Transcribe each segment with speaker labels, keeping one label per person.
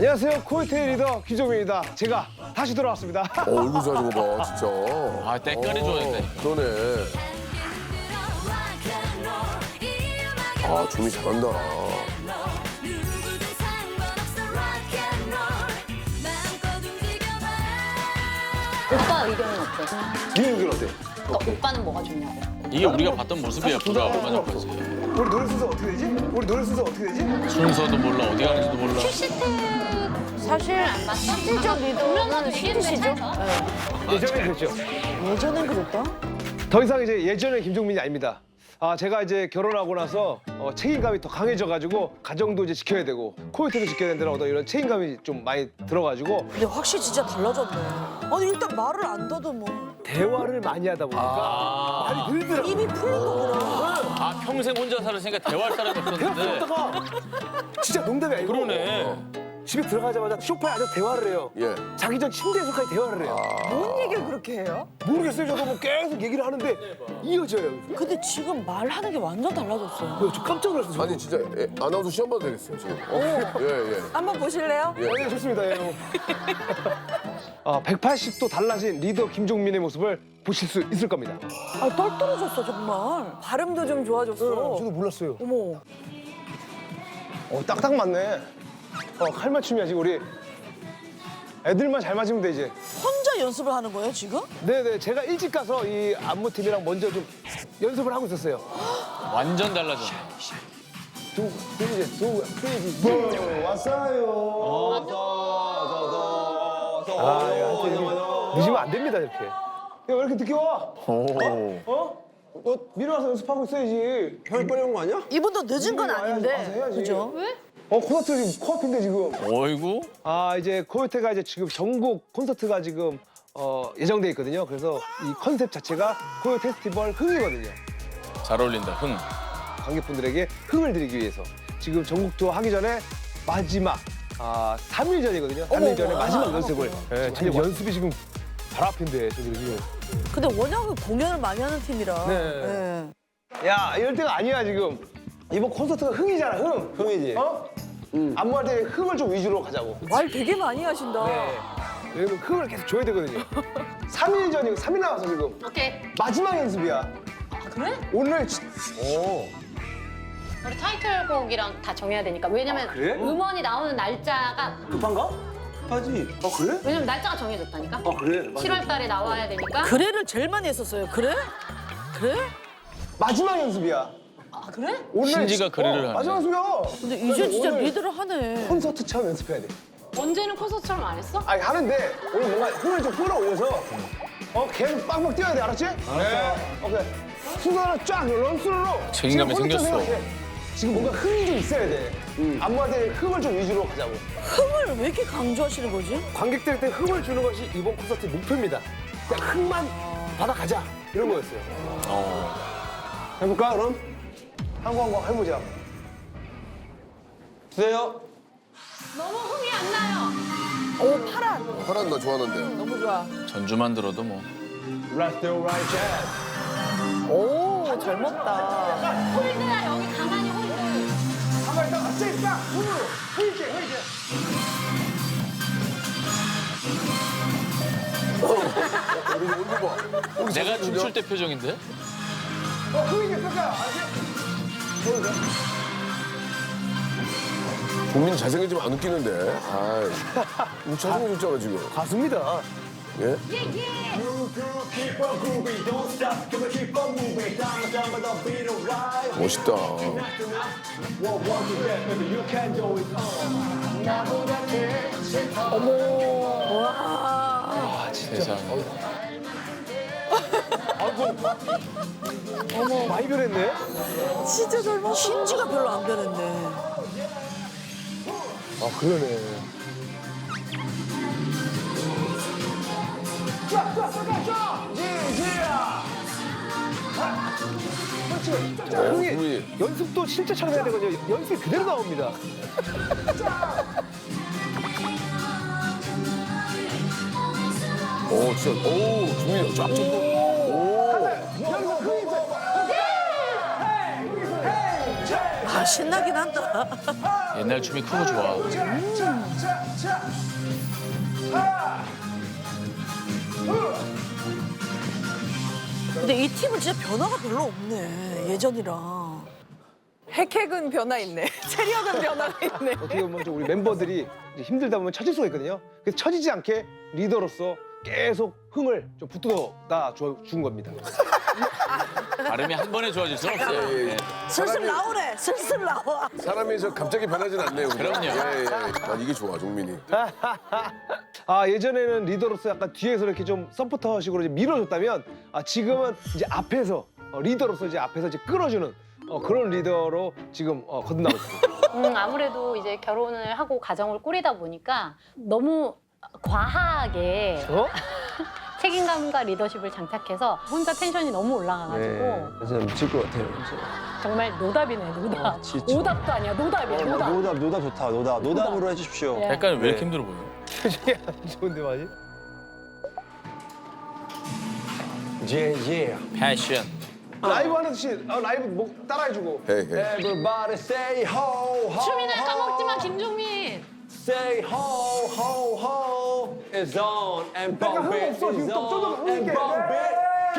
Speaker 1: 안녕하세요. 코요태 리더 김종민입니다. 제가 다시 돌아왔습니다.
Speaker 2: 얼굴 좋아진 거 봐, 진짜.
Speaker 3: 아, 때깔이 좋아졌네.
Speaker 2: 그러네. 아, 종민 잘한다.
Speaker 4: 오빠 의견은 어때?
Speaker 1: 네 의견 어때?
Speaker 4: 그러니까 오빠는 뭐가 좋냐고.
Speaker 3: 이게 우리가 봤던 모습이야, 불과 얼마 전까지.
Speaker 1: 우리 노래 순서 어떻게 되지? 우리 노래 순서 어떻게 되지?
Speaker 3: 순서도 몰라, 어디 가는지도 몰라.
Speaker 4: 사실 안 봤어. 실질적 리더는 슈트시죠?
Speaker 1: 예전에 그랬죠.
Speaker 4: 예전엔 그랬다?
Speaker 1: 더 이상 이제 예전의 김종민이 아닙니다. 제가 이제 결혼하고 나서 책임감이 더 강해져가지고 가정도 이제 지켜야 되고 코요태도 지켜야 된다는 어떤 이런 책임감이 좀 많이 들어가지고
Speaker 5: 근데 확실히 진짜 달라졌네. 아니 일단 말을 안 더듬어.
Speaker 1: 대화를 많이 하다 보니까 말이 늘더라고요.
Speaker 5: 입이 풀린 거구나.
Speaker 3: 아, 평생 혼자 살았으니까 대화할 사람이 없었는데.
Speaker 1: 대화하다가 진짜 농담이 아니고
Speaker 3: 그러네.
Speaker 1: 집에 들어가자마자 소파에 앉아서 대화를 해요.
Speaker 2: 예.
Speaker 1: 자기 전 침대에서까지 대화를 해요.
Speaker 5: 뭔 얘기를 그렇게 해요?
Speaker 1: 모르겠어요. 저도 뭐 계속 얘기를 하는데 이어져요.
Speaker 5: 근데 지금 말하는 게 완전 달라졌어요.
Speaker 1: 저 깜짝 놀랐어요. 저도.
Speaker 2: 아니, 진짜 아나운서 시험 봐도 되겠어요, 지금. 예, 예.
Speaker 5: 한번 보실래요?
Speaker 1: 네, 좋습니다. 예. 180도 달라진 리더 김종민의 모습을 보실 수 있을 겁니다.
Speaker 5: 아, 떨떨어졌어 정말. 발음도 좀 좋아졌어.
Speaker 1: 저도 몰랐어요.
Speaker 5: 어머.
Speaker 1: 딱딱 맞네. 칼맞춤이야 지금 우리 애들만 잘 맞으면 돼 이제.
Speaker 5: 혼자 연습을 하는 거예요 지금?
Speaker 1: 네네 제가 일찍 가서 이 안무팀이랑 먼저 좀 연습을 하고 있었어요.
Speaker 3: 완전 달라졌네.
Speaker 1: 두 크레이지 왔어요. 하여튼 늦으면 안 됩니다 이렇게. 야, 왜 이렇게 늦게 와? 너 미리 와서 연습하고 있어야지. 형이 빨리 온 거 아니야?
Speaker 5: 이분도 늦은 건
Speaker 1: 와서
Speaker 5: 아닌데.
Speaker 1: 해야지.
Speaker 5: 그죠?
Speaker 1: 콘서트 지금 코앞인데 지금.
Speaker 3: 어이구.
Speaker 1: 이제 코요태가 이제 지금 전국 콘서트가 지금 예정돼 있거든요. 그래서 이 컨셉 자체가 코요 페스티벌 흥이거든요.
Speaker 3: 잘 어울린다, 흥.
Speaker 1: 관객분들에게 흥을 드리기 위해서 지금 전국 투어 하기 전에 마지막 3일 전이거든요. 3일 전에 마지막 연습을. 지금 연습이 지금 바로 앞인데 저기 지금.
Speaker 5: 근데 워낙 공연을 많이 하는 팀이라.
Speaker 1: 네.
Speaker 5: 예.
Speaker 1: 야 이럴 때가 아니야 지금. 이번 콘서트가 흥이잖아 흥. 흥이지. 안무할 때 흥을 좀 위주로 가자고.
Speaker 5: 말 되게 많이 하신다.
Speaker 1: 네. 왜냐면 흥을 계속 줘야 되거든요. 3일 전이고 3일 남았어 지금.
Speaker 4: 오케이.
Speaker 1: 마지막 연습이야.
Speaker 4: 아, 그래?
Speaker 1: 오늘
Speaker 4: 우리 타이틀곡이랑 다 정해야 되니까. 왜냐면
Speaker 1: 그래?
Speaker 4: 음원이 나오는 날짜가
Speaker 1: 급한가? 급하지. 그래?
Speaker 4: 왜냐면 날짜가 정해졌다니까.
Speaker 1: 그래.
Speaker 4: 7월 달에 나와야 되니까.
Speaker 5: 그래를 제일 많이 했었어요. 그래? 그래?
Speaker 1: 마지막 연습이야.
Speaker 4: 아, 그래?
Speaker 1: 오늘
Speaker 3: 신지가 그래를 하네.
Speaker 1: 마지막 연습이야.
Speaker 5: 근데 이제 진짜
Speaker 1: 오늘
Speaker 5: 리드를 하네.
Speaker 1: 콘서트처럼 연습해야 돼.
Speaker 4: 언제는 콘서트처럼 안 했어?
Speaker 1: 하는데 오늘 뭔가 흥을 좀 끌어올려서 계속 빵빵 뛰어야 돼. 알았지? 네. 오케이. 순서를 쫙 런스로.
Speaker 3: 책임감이 생겼어.
Speaker 1: 지금 뭔가 흥이 좀 있어야 돼. 안무할 때 흥을 좀 위주로 가자고.
Speaker 5: 흥을 왜 이렇게 강조하시는 거지?
Speaker 1: 관객들한테 흥을 주는 것이 이번 콘서트 목표입니다. 그냥 흥만 받아가자. 이런 거였어요. 해볼까 그럼? 한 번 해보자. 주세요.
Speaker 4: 너무 흥이 안 나요.
Speaker 5: 오, 파란.
Speaker 2: 파란 나 좋아하는데.
Speaker 5: 너무 좋아.
Speaker 3: 전주만 들어도 뭐.
Speaker 1: Let's do right jazz.
Speaker 5: 오, 젊었다.
Speaker 4: 홀드야, 여기 가만히 홀드.
Speaker 1: 가만히 있다가 갑자기 딱 손으로 흐이게.
Speaker 2: 우리 얼굴 봐.
Speaker 3: 내가 춤출 때 표정인데?
Speaker 1: 흐이게 뺄까요? 알았지? 보여줘.
Speaker 2: 국민 잘생기지만 안 웃기는데. 아이. 잘생겼잖아, 지금.
Speaker 1: 가수입니다.
Speaker 2: 예? 멋있다.
Speaker 3: 세상에.
Speaker 1: 어머 많이 변했네.
Speaker 5: 진짜 젊었어. 신지가 별로 안 변했네.
Speaker 1: 그러네. 흥이
Speaker 2: 흥이.
Speaker 1: 연습도 실제처럼 해야 되거든요. 연습이 그대로 나옵니다.
Speaker 2: 진짜. 종민이 쫙 쳤고.
Speaker 1: 연습 흥이 있어요.
Speaker 5: 아, 신나긴 한다.
Speaker 3: 옛날 춤이 크고 좋아.
Speaker 5: 근데 이 팀은 진짜 변화가 별로 없네. 예전이랑.
Speaker 6: 핵핵은 변화 있네. 체력은 변화가 있네.
Speaker 1: 어떻게 보면 좀 우리 멤버들이 이제 힘들다 보면 처질 수가 있거든요. 그래서 처지지 않게 리더로서 계속 흥을 좀 북돋아 준 겁니다.
Speaker 3: 발음이 한 번에 좋아질 수는 없어요.
Speaker 2: 예, 예.
Speaker 5: 슬슬 나오래. 슬슬 나와.
Speaker 2: 사람이 저 갑자기 변하진 않네요. 그죠?
Speaker 3: 그럼요.
Speaker 2: 예, 예. 난 이게 좋아, 종민이.
Speaker 1: 아 예전에는 리더로서 약간 뒤에서 이렇게 좀 서포터식으로 이제 밀어줬다면 지금은 이제 앞에서 리더로서 이제 앞에서 이제 끌어주는 그런 리더로 지금 거듭나고 있습니다.
Speaker 4: 아무래도 이제 결혼을 하고 가정을 꾸리다 보니까 너무 과하게 책임감과 리더십을 장착해서 혼자 텐션이 너무 올라가가지고
Speaker 7: 진짜 미칠 것 같아요. 진짜.
Speaker 4: 정말 노답이네, 노답.
Speaker 7: 진짜.
Speaker 4: 오답도 아니야, 노답이야, 노답.
Speaker 7: 노답 좋다. 노답으로 해주십시오.
Speaker 4: 예.
Speaker 3: 약간 왜 이렇게 힘들어 보여?
Speaker 1: 표정이 안 좋은데 많이?
Speaker 7: 예.
Speaker 3: 패션.
Speaker 1: 라이브 하는 듯이 라이브 목 따라해주고.
Speaker 2: 헤이, 헤이.
Speaker 7: Everybody say ho ho.
Speaker 4: 춤이나 까먹지 마, 김종민.
Speaker 7: Say ho ho ho. It's on and
Speaker 1: 약간
Speaker 7: bump
Speaker 1: 흥
Speaker 7: it.
Speaker 1: 없어, 지금
Speaker 7: It's
Speaker 1: 좀
Speaker 7: on
Speaker 1: 흥
Speaker 7: and
Speaker 1: 있게.
Speaker 7: bump it.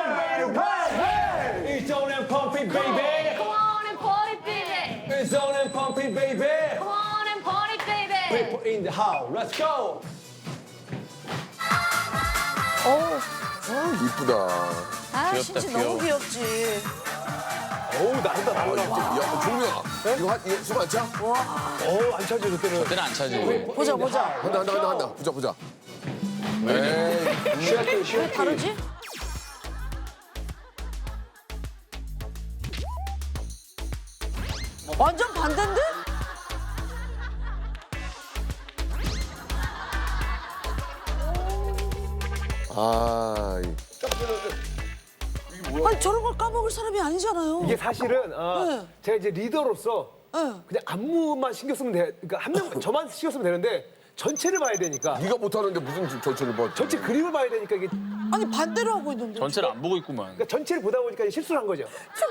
Speaker 7: It's on and pump it, baby.
Speaker 4: Come on and party, baby.
Speaker 7: It's on and pump it, baby.
Speaker 4: Come on and party, baby.
Speaker 7: People in the house. Let's go.
Speaker 2: 이쁘다.
Speaker 5: 아,
Speaker 3: 귀엽다,
Speaker 5: 신지
Speaker 3: 귀여워.
Speaker 5: 너무 귀엽지.
Speaker 1: 어우 나온다 나온다.
Speaker 2: 야, 종민아. 이거 숨 안 차?
Speaker 1: 어우 안 차죠 그때는.
Speaker 3: 그때는 안 차지.
Speaker 5: 보자, 보자.
Speaker 2: 한다. 보자. 에이.
Speaker 5: 왜 다르지? 완전 반대인데?
Speaker 2: 아,
Speaker 5: 아니 저런 걸 까먹을 사람이 아니잖아요.
Speaker 1: 이게 사실은
Speaker 5: 네.
Speaker 1: 제가 이제 리더로서
Speaker 5: 네.
Speaker 1: 그냥 안무만 신경 쓰면 돼. 그러니까 한 명 저만 신경 쓰면 되는데 전체를 봐야 되니까.
Speaker 2: 네가 못하는데 무슨 전체를 봐.
Speaker 1: 전체 그림을 봐야 되니까 이게
Speaker 5: 아니 반대로 하고 있는데.
Speaker 3: 전체를 안 보고 있구만.
Speaker 1: 그러니까 전체를 보다 보니까 이제 실수를 한 거죠.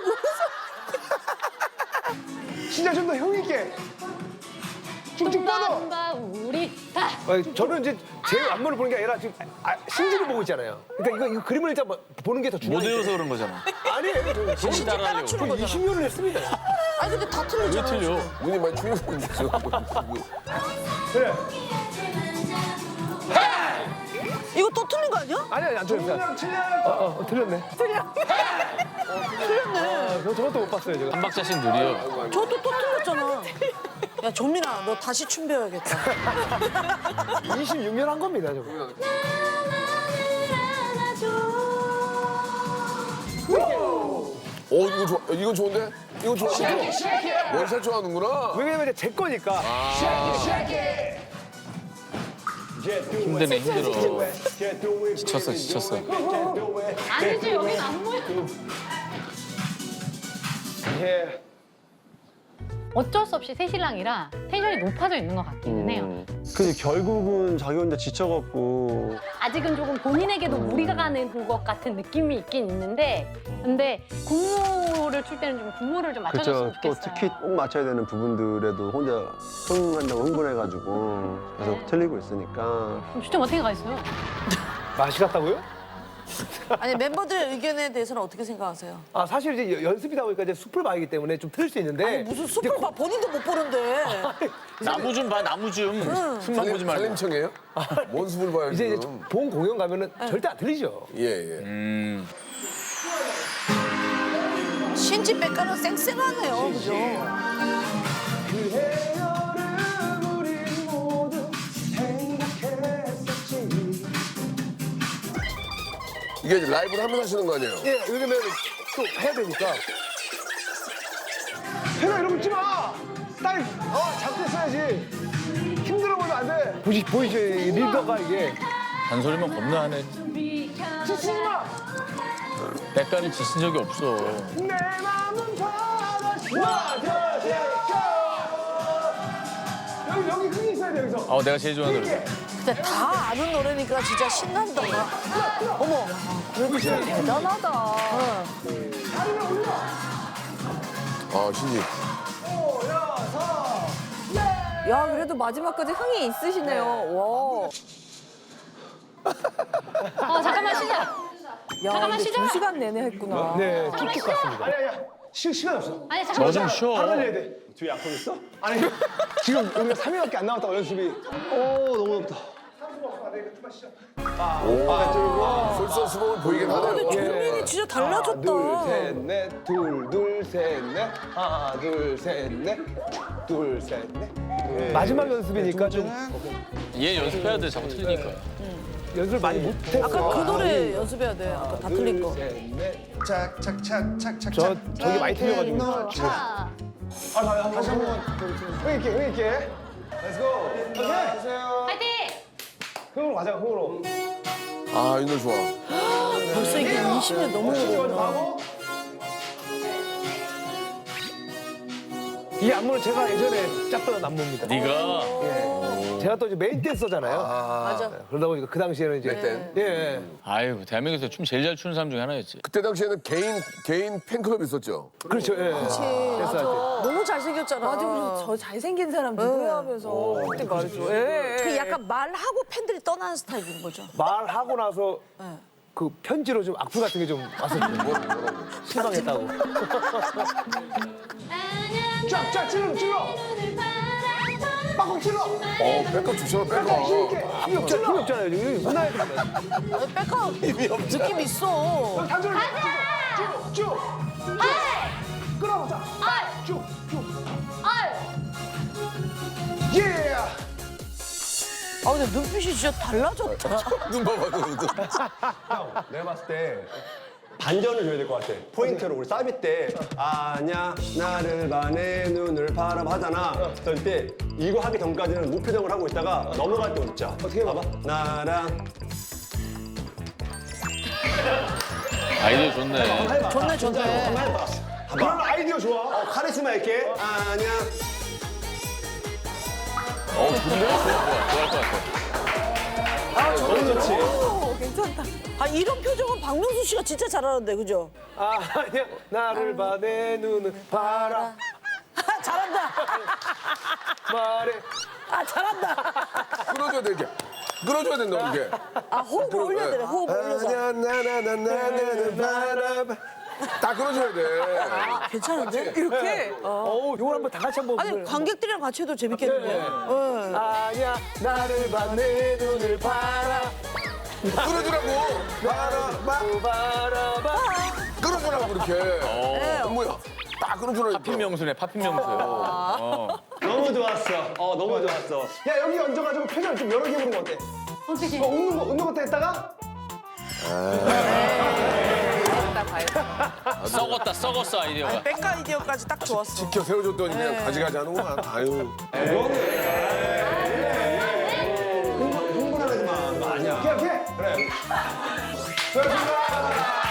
Speaker 1: 진짜 좀 더 흥 있게 쭉쭉 뻗어.
Speaker 4: 뭔가 우리 다.
Speaker 1: 저는 이제 제 안무를 보는 게 아니라 지금 신지를 보고 있잖아요. 그러니까 이거 그림을 일단 보는 게 더
Speaker 3: 못
Speaker 1: 중요해요.
Speaker 3: 외워서 그런 거잖아.
Speaker 1: 아니에요.
Speaker 3: 신지 따라하려고.
Speaker 5: 추는 거잖아.
Speaker 1: 20년을 했습니다.
Speaker 5: 아니 근데 다
Speaker 3: 왜
Speaker 5: 틀리잖아.
Speaker 3: 틀려?
Speaker 2: 눈이 많이 충격을 줬어.
Speaker 1: 그래.
Speaker 5: 이거 또 틀린 거 아니야?
Speaker 1: 아니 안 틀렸어요. 틀렸네.
Speaker 5: 틀렸네.
Speaker 1: 저것도 못 봤어요 제가.
Speaker 3: 한 박자씩 느려.
Speaker 5: 저도 또 틀렸잖아. 야 종민아 너 다시 춤 배워야겠다.
Speaker 1: 26년 한 겁니다 저거.
Speaker 2: 이거 좋아. 이건 좋은데? 이거 좋아. 원샷 좋아하는구나.
Speaker 1: 왜냐면 이제 제 거니까.
Speaker 3: 힘드네, 힘들어. 지쳤어.
Speaker 4: 아니지, 여긴 안무야.
Speaker 1: 예.
Speaker 4: 어쩔 수 없이 새신랑이라 텐션이 높아져 있는 것 같기는 해요.
Speaker 7: 근데 결국은 자기 혼자 지쳐갖고
Speaker 4: 아직은 조금 본인에게도 무리가 가는 것 같은 느낌이 있긴 있는데 근데 군무를 출 때는 좀 군무를 좀 맞춰줬으면
Speaker 7: 그렇죠. 또
Speaker 4: 좋겠어요.
Speaker 7: 특히 꼭 맞춰야 되는 부분들에도 혼자 흥한다고 흥분해가지고 계속 틀리고 있으니까
Speaker 4: 그럼 추첨 어떻게 가 있어요?
Speaker 1: 맛이 같다고요?
Speaker 5: 아니 멤버들의 의견에 대해서는 어떻게 생각하세요?
Speaker 1: 사실 이제 연습이다 보니까 이제 숲을 봐야기 때문에 좀 틀릴 수 있는데.
Speaker 5: 아니 무슨 숲을 봐 본인도 못 보는데.
Speaker 3: 나무 좀 봐, 나무 좀. 숨만 보지 말고.
Speaker 2: 살림청이에요? 뭔 숲을 봐요,
Speaker 1: 이제
Speaker 2: 지금.
Speaker 1: 본 공연 가면은 절대 안 틀리죠.
Speaker 2: 예.
Speaker 5: 신지 백가는 쌩쌩하네요, 그죠?
Speaker 2: 이게 이제 라이브를 하면서 하시는 거 아니에요?
Speaker 1: 예, 왜냐면 또 해야 되니까. 해라 이러면 지 마. 딸, 잡고 있어야지. 힘들어 보면 안 돼. 보이죠, 이 리더가 이게.
Speaker 3: 잔소리만 겁나 하네.
Speaker 1: 지치지 마.
Speaker 3: 백가를 지신 적이 없어.
Speaker 1: 내 마음은 바다시. 여기 흥이 있어야 돼 여기서.
Speaker 3: 내가 제일 좋아하는 노래.
Speaker 5: 근데 다 아는 노래니까 진짜 신난다. 어머, 그래도 진짜 대단하다.
Speaker 2: 아, 신지.
Speaker 6: 야 그래도 마지막까지 흥이 있으시네요. 와.
Speaker 4: 잠깐만 쉬자.
Speaker 6: 야,
Speaker 4: 잠깐만
Speaker 6: 근데
Speaker 4: 쉬자.
Speaker 6: 2시간 내내 했구나.
Speaker 1: 네, 쭉쭉 갔습니다. 아니야. 시간 없어.
Speaker 4: 아니 잠깐만.
Speaker 3: 좀 쉬어.
Speaker 1: 바로 달려야 돼. 뒤에 약속 있어? 아니, 지금 우리가 3일밖에 안 남았다고 연습이. 너무 높다.
Speaker 2: 솔선수범을 보이긴 하네요.
Speaker 5: 종민이 진짜 달라졌다.
Speaker 1: 둘, 셋, 넷. 둘, 셋, 넷. 하나, 둘, 셋, 넷. 둘, 셋, 넷. 마지막 연습이니까 좀
Speaker 3: 얘 연습해야 돼. 자꾸 틀리니까.
Speaker 1: 연습을 많이 못했어.
Speaker 5: 아까 그 노래 연습해야 돼. 아까 다 틀린 거.
Speaker 1: 둘, 셋, 넷.
Speaker 8: 착착착착착착.
Speaker 1: 저기 많이 틀려가지고.
Speaker 4: 자,
Speaker 8: 다시 한번.
Speaker 1: 흥 있게. Let's go. 오케이.
Speaker 4: 파이팅!
Speaker 1: 흥으로 가자, 흥으로.
Speaker 2: 아, 이 노래 좋아.
Speaker 5: 벌써 이게 20년 넘은 거구나.
Speaker 1: 하고. 이 안무는 제가 예전에 짰던 안무입니다.
Speaker 3: 네가
Speaker 1: 예. 제가 또 이제 메인 댄서잖아요.
Speaker 5: 맞아.
Speaker 1: 그러다 보니까 그 당시에는 이제
Speaker 2: 댄?
Speaker 1: 예.
Speaker 3: 아유 대한민국에서 춤 제일 잘 추는 사람 중에 하나였지.
Speaker 2: 그때 당시에는 개인 팬클럽 있었죠.
Speaker 1: 그렇죠. 예.
Speaker 5: 맞아. 너무 잘생겼잖아.
Speaker 6: 맞아, 그래서 저 잘생긴 사람 누구야 하면서 그때 말이죠. 예.
Speaker 5: 그 약간 말하고 팬들이 떠나는 스타일인 거죠.
Speaker 1: 말하고 나서 그 편지로 좀 악플 같은 게 좀 왔었죠. 실망했다고. 쫙쫙 찔러. 빡빡 찔러.
Speaker 2: 백업 좋잖아, 백업.
Speaker 1: 힘이 없잖아요. 지금 혼나야 됩니다.
Speaker 5: 백업 느낌 있어.
Speaker 1: 단전을 쭉. 끌어보자. 쭉. 예.
Speaker 5: 아 근데 눈빛이 진짜 달라졌다.
Speaker 2: 눈 봐봐, 눈.
Speaker 7: 내가 봤을 때 반전을 줘야 될 것 같아. 포인트로 우리 사비 때 아냐 나를 봐 내 눈을 바라봐 하잖아. 그럴 때 이거 하기 전까지는 무표정을 하고 있다가 넘어갈 때 웃자.
Speaker 1: 어떻게 해봐?
Speaker 7: 봐봐. 나랑
Speaker 3: 아이디어 좋네.
Speaker 5: 좋네.
Speaker 7: 한번 해봐.
Speaker 1: 그런 아이디어 좋아.
Speaker 7: 카리스마 있게 아냐.
Speaker 3: 좋아할 것 같아.
Speaker 6: 괜찮다.
Speaker 5: 아 이런 표정은 박명수 씨가 진짜 잘하는데 그죠?
Speaker 1: 아니야 나를 봐 내 눈을 봐라
Speaker 5: 잘한다.
Speaker 1: 말해.
Speaker 5: 잘한다.
Speaker 2: 끌어줘야 돼, 이렇게. 끌어줘야 된다, 이렇게.
Speaker 5: 호흡을 올려야 돼. 호흡을 올려서.
Speaker 2: 아냐, 나나나나나는 바라봐. 다 끌어줘야 돼.
Speaker 5: 괜찮은데?
Speaker 6: 이렇게?
Speaker 1: 이걸 한번 다 같이 한번.
Speaker 5: 아니 관객들이랑 같이 해도 재밌겠는데.
Speaker 1: 아니야 나를 봐 내 눈을 봐라
Speaker 2: 끌어주라고.
Speaker 1: 바라봐.
Speaker 2: 끌어주라고, 그렇게. 뭐야. 다 끌어주라니까.
Speaker 3: 파핀 명수네. 파핀 명수요.
Speaker 7: 너무 좋았어. 너무 좋았어.
Speaker 1: 야 여기 얹어가지고 표정 좀 여러 개 해보는 거 어때?
Speaker 4: 어떻게?
Speaker 1: 웃는 것도 했다가
Speaker 3: 썩었어 아이디어가.
Speaker 5: 백 아이디어까지 딱 좋았어.
Speaker 2: 지켜 세워줬더니 그냥 가지가지 하는구만. 아유.
Speaker 7: 흥분하지 마. 너 아니야.
Speaker 1: 오케이. 그래. 수고하셨습니다.